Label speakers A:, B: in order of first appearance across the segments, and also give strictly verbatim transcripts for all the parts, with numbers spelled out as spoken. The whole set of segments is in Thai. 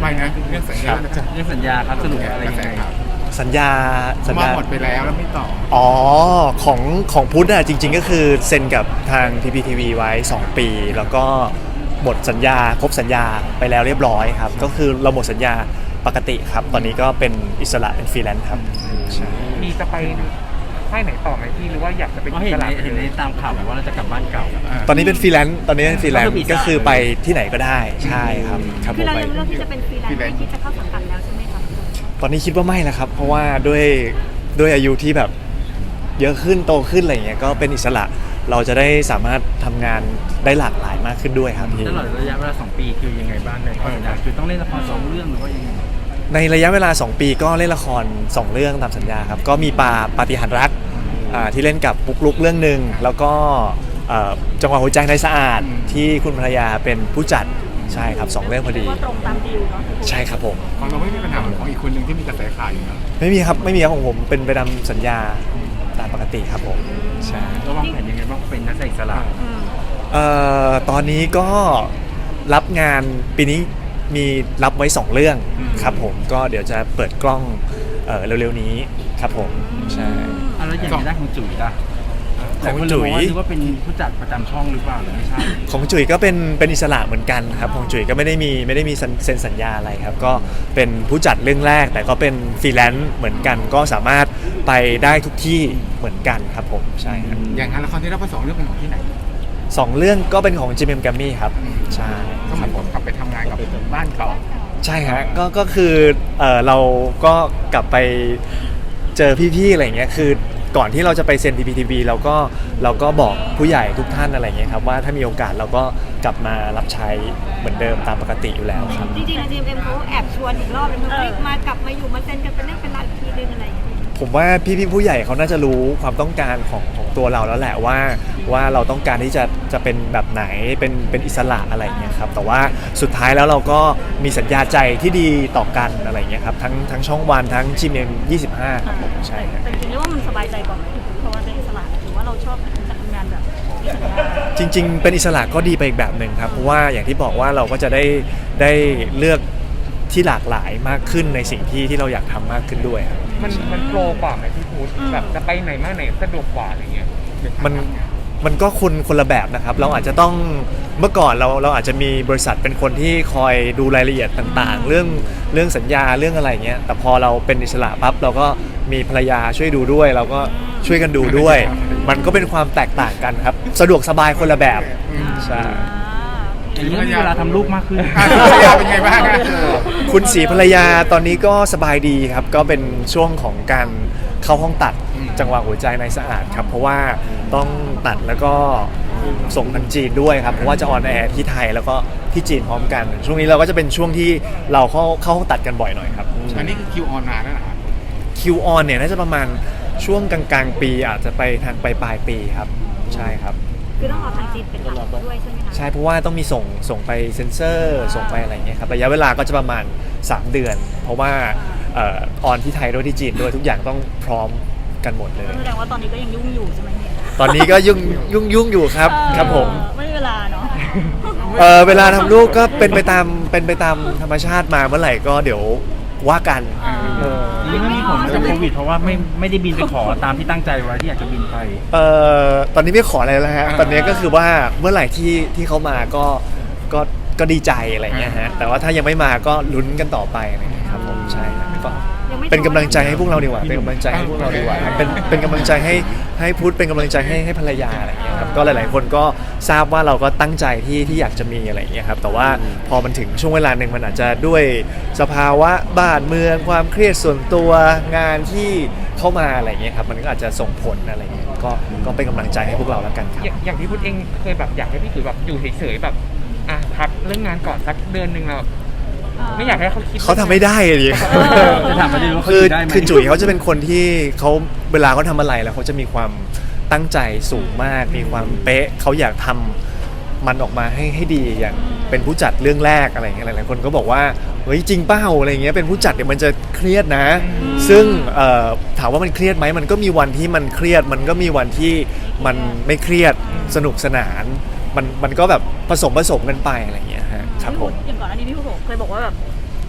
A: ไปนะเรื่องสัญญา
B: เรื่องสัญญาครับสรุปอะไรยังไง
C: สัญญาสัญ
A: มา
C: ญา
A: หมดไปแล้วแล้วไม่ต่อ
C: อ๋อของของพุทธอะจริงๆก็คือเซ็นกับทาง ที พี ที วี ไว้ สอง ปี แล้วก็หมดสัญญาครบสัญญาไปแล้วเรียบร้อยครับก็คือเราหมดสัญญาปกติครับตอนนี้ก็เป็นอิสระเป็นฟรีแลนซ์ครับใช่
D: มีจะไปค่ายไหนต่อไหมพี่หรือว่าอยากจะเป็น
B: ก็เห็นในเห็นในตามข่าวบอกว่าเราจะกลับบ้านเก่า
C: ตอนนี้เป็นฟรีแลนซ์ตอนนี้เป็นฟรีแลนซ์
B: ก็คืออิสระ
C: ก็คือไปที่ไหนก็ได้ใช่ครับครับผ
E: คือ
C: ม
E: เรา
C: ไป
E: ยังเลือกที่จะเป็นฟรีแลนซ์ไม่คิดจะเข้าสังกัดแล้วใช่ไหมคะ
C: ตอนนี้คิดว่าไม่แล้วครับเพราะว่าด้วยด้วยอายุที่แบบเยอะขึ้นโตขึ้นอะไรเงี้ยก็เป็นอิสระเราจะได้สามารถทำงานได้หลากหลายมากขึ้นด้วยครับพี่
B: ตลอดระยะเวลาสองปีคือยังไงบ้างในข้อสัญญาคือต้องเล่นละครสองเรื่องหรือว่ายังไง
C: ในระยะเวลา สอง ปีก็เล่นละคร สอง เรื่องตามสัญญาครับก็มีปาปาฏิหาริย์รักอ่าที่เล่นกับปุ๊กลุกเรื่องหนึ่งแล้วก็เอ่อจังหวะหัวใจในสะอาดที่คุณภรรยาเป็นผู้จัดใช่ครับสองเรื่องพอดี
E: ว่าตรงตามดีลเนาะ
C: ใช่ครับผม
A: ของเราไม่มีปัญหาเหมือนของอีกคนหนึ่งที่มีกระแสข่าวอยู่นะ
C: ไม่มีครับไม่มีครับของผมเป็นไปตามสัญญาตามปกติครับผมใช่
B: ระวางแผนยังไงบ้างเป็นนักแสดงอิสระ
E: อืม
C: เอ่อตอนนี้ก็รับงานปีนี้มีรับไว้สองเรื่องครับผมก็เดี๋ยวจะเปิดกล้องเอ่อเร็วๆนี้ครับผมใช่
B: อ่ะแล้วอย่างในด้านของจุ๋ยล่ะ
C: ของจุ๋ย
B: หลายคนเลยบอกว่านึกว่าเป็นผู้จัดประจำช่องหรือเปล่าหรือไม่ใช่
C: ของจุ๋ยก็เป็นเป็นอิสระเหมือนกันครับของจุ๋ยก็ไม่ได้มีไม่ได้มีเซ็นสัญญาอะไรครับก็เป็นผู้จัดเรื่องแรกแต่ก็เป็นฟรีแลนซ์เหมือนกันก็สามารถไปได้ทุกที่เหมือนกันครับผมใช่ครับ
A: อย่างงานละครที่เราไปสองเรื่องเป็นของที่ไหน
C: สองเรื่องก็เป็นของ จี เอ็ม Grammy ครับใช่
A: ก็เหมือนผมกลับไปทำงานกับบ้านเก่า
C: ใช่ฮะก็ก็คือเออเราก็กลับไปเจอพี่ๆอะไรเงี้ยคือก่อนที่เราจะไปเซ็น ที พี ที วี เราก็เราก็บอกผู้ใหญ่ทุกท่านอะไรเงี้ยครับว่าถ้ามีโอกาสเราก็กลับมารับใช้เหมือนเดิมตามปกติอยู่แล้วครับ
E: จริงๆ จี เอ็ม เขาแอบชวนอีกรอบนึงเฮ้ยมากลับมาอยู่มาเซ็นกันเป็นเรื่องเป็นราวอีกทีนึงอะไรอย่างเงี้ย
C: ผมว่าพี่ๆผู้ใหญ่เขาน่าจะรู้ความต้องการของของตัวเราแล้วแหละว่าว่าเราต้องการที่จะจะเป็นแบบไหนเป็นเป็นอิสระอะไรเงี้ยครับแต่ว่าสุดท้ายแล้วเราก็มีสัญญาใจที่ดีต่อกันอะไรเงี้ยครับทั้งทั้งช่องวันทั้ง จี เอ็ม ยี่สิบห้าครับผมใช่ครับ
E: แต่จริงๆเรียกว่ามันสบายใจกว่าไหมเพราะว่าเป็นอิสระถือว่าเราชอบการทำงานแบบมีสัญญา
C: จริงๆ เป็นอิสระก็ดีไปอีกแบบหนึ่งครับ เพราะว่าอย่างที่บอกว่าเราก็จะได้ได้เลือกที่หลากหลายมากขึ้นในสิ่งที่ที่เราอยากทำมากขึ้นด้วยครับ
D: มันมันโปรกว่าไหมพี่พุทธแบบจะไปไหนมาไหนสะดวกกว่าอะไรเงี้ย
C: มันมันก็คนคนละแบบนะครับ เราอาจจะต้องเมื่อก่อนเราเราอาจจะมีบริษัทเป็นคนที่คอยดูรายละเอียดต่างๆ เรื่องเรื่องสัญญาเรื่องอะไรเงี้ยแต่พอเราเป็นอิสระปั๊บเราก็มีภรรยาช่วยดูด้วย เราก็ช่วยกันดูด้วย มันก็เป็นความแตกต่างกันครับ สะดวกสบายคนละแบบใช่
B: อย่างนี้มีเวลาทำลูกมากขึ้น
A: อ่ะภรรยาเป็นไงบ้างอะ
C: คุณศรีภรรยาตอนนี้ก็สบายดีครับก็เป็นช่วงของการเข้าห้องตัดจังหวะหัวใจในสะอาดครับเพราะว่าต้องตัดแล้วก็ส่งทางจีนด้วยครับเพราะว่าจะออนแอร์ที่ไทยแล้วก็ที่จีนพร้อมกัน ช่วงนี้เราก็จะเป็นช่วงที่เราเข้าเข้าห้องตัดกันบ่อยหน่อยครับ
A: อันนี้คือคิวออนนานแล้วนะครับ
C: คิวออนเนี่ยน่าจะประมาณช่วงกลางๆปีอาจจะไปทางปลายปลายๆปีครับใช่ครับ
E: คือต้องรอทางจีนเป็นหลักด้วยใช่ไหมคะ
C: ใช่เพราะว่าต้องมีส่งส่งไปเซ็นเซอร์ส่งไปอะไรเงี้ยครับระยะเวลาก็จะประมาณสามเดือน เพราะว่าเออออนที่ไทยด้วยที่จีนด้วยทุกอย่างต้องพร้อมกันหมดเลย
E: แสดงว่าตอนนี้ก็ยังยุ่งอยู่ใช่ไหมเนี่ย
C: ตอนนี้ก็ยุ่งยุ่งยุ่งอยู่ครับครับผม
E: เออไม่มีเวลาเนาะ
C: เออเวลาทำลูกก็เป็นไปตามเป็นไปตามธรรมชาติมาเมื่อไหร่ก็เดี๋ยวว่ากันเออ
B: นี่มันมีผลมาจากโควิดเพราะว่าไม่ไม่ได้บินไปขอตามที่ตั้งใจไว้ที่อยากจะบินไป
C: เออตอนนี้ไม่ขออะไรแล้วฮะตอนนี้ก็คือว่าเมื่อไหร่ที่ที่เขามาก็ก็ก็ดีใจอะไรเงี้ยฮะแต่ว่าถ้ายังไม่มาก็ลุ้นกันต่อไปอะไรเงี้ยครับผมใช่ครับก็
E: ยังไม่
C: เป็นกำลังใจให้พวกเราดีกว่าเป็นกำลังใจให้พวกเราดีกว่าครับเป็นเป็นกำลังใจให้ให้พุทธเป็นกำลังใจให้ให้ภรรยาอะไรเงี้ยครับก็หลาย ๆ คนก็ทราบว่าเราก็ตั้งใจที่ที่อยากจะมีอะไรเงี้ยครับแต่ว่าพอมันถึงช่วงเวลาหนึ่งมันอาจจะด้วยสภาวะบ้านเมืองความเครียดส่วนตัวงานที่เข้ามาอะไรเงี้ยครับมันก็อาจจะส่งผลอะไรเงี้ยก็ก็เป็นกำลังใจให้พวกเราแล้วกันครับ
D: อย่างอย่างพี่พุทธเองเคยแบบอยากให้พี่ถือแบบอยู่เฉยๆแบบอ่ะพักเรื่องงานก่อนสักเดือนหนึ่งเราไม่อยากให้เขาคิด
C: เขาทำไม่ได้เลย
B: จะถามประเด็นว่าเขา
C: คือ
B: อยู่ได้ไหม
C: คือจุ๋ยเขาจะเป็นคนที่เขาเวลาเขาทำอะไรแล้วเขาจะมีความตั้งใจสูงมาก มีความเป๊ะเขาอยากทำมันออกมาให้ให้ดีอย่างเป็นผู้จัดเรื่องแรกอะไรอย่างเงี้ยหลายๆคนก็บอกว่าเฮ้ยจริงเป้าอะไรเงี้ยเป็นผู้จัดเนี่ยมันจะเครียดนะ ซึ่งเอ่อถามว่ามันเครียดไหมมันก็มีวันที่มันเครียด มันก็มีวันที่มันไม่เครียดสนุกสนานมันมันก็แบบผสมผสมกันไปอะไรอย่างเงี้ยฮะครับผม
E: อย่างก่อนอันนี้พี่ผู้บอกเคยบอกว่าแบบ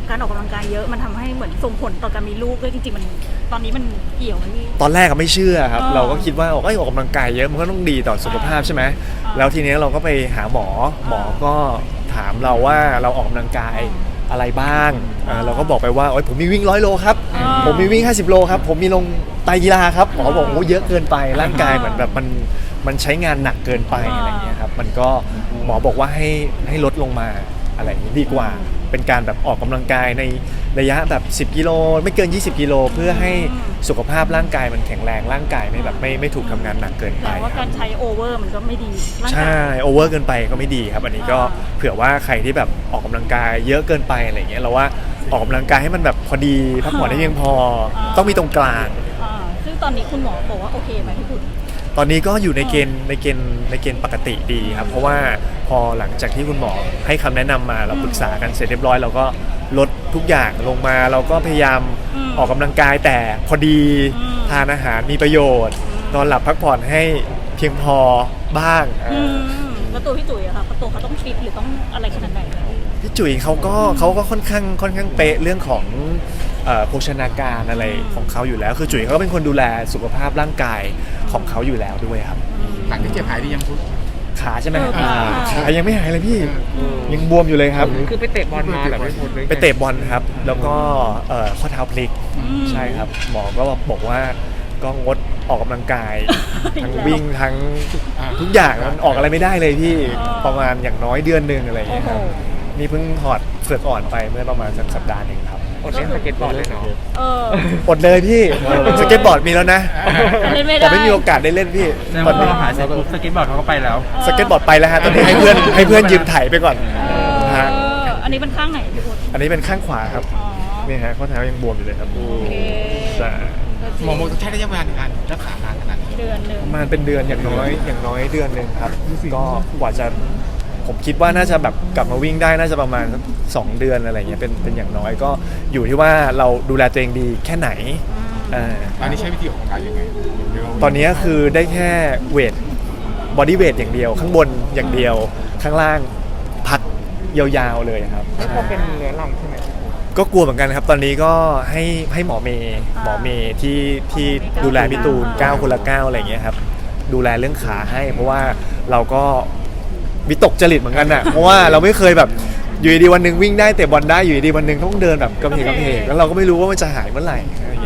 E: การออกกำลังกายเยอะมันทำให้เหมือนส่งผลต่อการมีลูกด้วยจริงๆมันตอนนี้มันเกี่ยวไหมพี่
C: ตอนแรกก็ไม่เชื่อครับ
E: เออ
C: เราก็คิดว่าเอ้ยออกกำลังกายเยอะมันก็ต้องดีต่อสุขภาพใช่ไหม
E: อ
C: แล้วทีนี้เราก็ไปหาหมอหมอก็ถามเราว่าเราออกกำลังกายอะไรบ้างอ่าเราก็บอกไปว่าโอ้ยผมมีวิ่งร้อยโลครับ
E: อ่า
C: ผมมีวิ่งห้าสิบโลครับผมมีลงไตรกีฬาครับหมอบอกโอ้เยอะเกินไปร่างกายเหมือนแบบมันมันใช้งานหนักเกินไปอะไรอย่างเงี้ยครับมันก็หมอบอกว่าให้ให้ลดลงมาอะไรอย่างนี้ดีกว่า เป็นการแบบออกกำลังกายในระยะแบบสิบกิโลไม่เกินยี่สิบกิโลเพื่อให้สุขภาพร่างกายมันแข็งแรงร่างกายไม่แบบไม่ไม่ถูกทำงานหนักเกินไป
E: แต่ว่า
C: ค
E: กา
C: รับ
E: รใช้โอเวอร์มันก็ไม่ดีร่างกาย
C: ใช่โอเวอร์เกินไปก็ไม่ดีครับ อันนี้ก็
E: อ่า
C: เผื่อว่าใครที่แบบออกกำลังกายเยอะเกินไปอะไรเงี้ยเราว่าออกกำลังกายให้มันแบบพอดีพักผ่อนได้เพียงพอ ต้องมีตรงกลาง
E: อ่าซึ่งตอนนี้คุณหมอบอกว่าโอเคไหมพี่คุณ
C: ตอนนี้ก็อยู่ในเกณฑ์ในเกณฑ์ในเกณฑ์ปกติดีครับ เพราะว่าพอหลังจากที่คุณหมอให้คำแนะนำมาเราปรึกษากันเสร็จเรียบร้อยเราก็ลดทุกอย่างลงมาเราก็พยายาม
E: อืม
C: ออกกำลังกายแต่พอดี
E: อืม
C: ทานอาหารมีประโยชน์ นอนหลับพักผ่อนให้เพียงพอบ้าง
E: อืมแล้วตัวพี่จุ๋ยอะค่ะตัวเขาต้องฟิตหรือต้องอะไรขนาดไหน
C: พี่จุ๋ยเขาก็เขาก็ค่อนข้างค่อนข้างเป๊ะเรื่องของเอ่อโภชนาการอะไรของเขาอยู่แล้ว คือจุ๋ยเขาก็เป็นคนดูแลสุขภาพร่างกายของเขาอยู่แล้วด้วยครับ
A: หลังที่เจ็บหายดียังพุทธ
C: ขาใช่ไหม
E: เออขา
C: ขายังไม่หายเลยพี่ยังบวมอยู่เลยครับ
D: คือไปเตะบอลมาแบบไม่หมดเลย
C: ไปเตะบอลครับ แล้วก็เอ่อข้อเท้าพลิก
E: อืม
C: ใช่ครับ หมอก็บอกว่าก็งดออกกำลังกาย ทั้งวิ่งทั้งทุกอย่างมันออกอะไรไม่ได้เลยพี่
E: อ๋อ
C: ประมาณอย่างน้อยเดือนหนึ่งอะไรอย่าง
E: โอ้
C: เงี้ย
E: โห
C: ครับนี่เพิ่งถอดเฟือกอ่อนไปเมื่อประมาณสักสัปดาห์หนึ่งครับ
D: อดเล่นสเก็ตบอร์ดเลยเนาะ
E: เออ
C: อดเลยพี่สเก็ตบอร์ดมีแล้วนะ
E: เล่นไม่ได้
C: แต่ไม่มีโอกาสได้เล่นพี่
B: แสดง
C: ตอน
B: ว่า
C: นี้
B: เราหายเสร็จปุ๊บสเก็ตบอร์ดเขาก็ไปแล้ว
C: สเก็ตบอร์ดไปแล้วฮะตอนนี้ให้เพื่อนให้เพื่อนยืมไถไปก่อน
E: เอ
C: ฮะ
E: ออันนี้เป็นข้างไหนพี่พุทธ
C: อันนี้เป็นข้างขวาครับ
E: อ๋อ
C: นี่ฮะข้อเท้ายังบวมอยู่เลยครับ
E: โอเค
C: ใช่
A: หมอโมต้องใช้ระยะเวลาในการรักษานานขนาดนี้
E: เดือนหนึ่ง
C: ประมาณเป็นเดือนอย่างน้อยอย่างน้อยเดือนหนึ่งครับ ก็กว่าจะผมคิดว่าน่าจะแบบกลับมาวิ่งได้น่าจะประมาณสักสองเดือนอะไรเงี้ยเป็นเป็นอย่างน้อยก็อยู่ที่ว่าเราดูแลตัวเองดีแค่ไหนเอ่อ
A: ตอนนี้ใช้วิธีออกกำลังกายยังไงเดี๋ยว
C: ตอนนี้คือได้แค่เวทบอดี้เวทอย่างเดียว ข้างบนอย่างเดียวข้างล่างพักยาวๆเลยครับ
D: ไม่พอเป็นเนื้อรังใช่ไหม
C: ก็กลัวเหมือนกันครับ ตอนนี้ก็ให้ให้หมอเมย์หมอเมย์ที่ที่ดูแลพี่ตูนเก้าคนละเก้าอะไรอย่างเงี้ยครับดูแลเรื่องขาให้ เพราะว่าเราก็วิตกจริตเหมือนกันอ่ะ เพราะว่าเราไม่เคยแบบอยู่ดีๆวันหนึ่งวิ่งได้เตะบอลได้อยู่ดีๆวันหนึ่งต้องเดินแบบกระเพกกระเพกแล้วเราก็ไม่รู้ว่ามันจะหายเมื่อไหร่อะไรอย่าง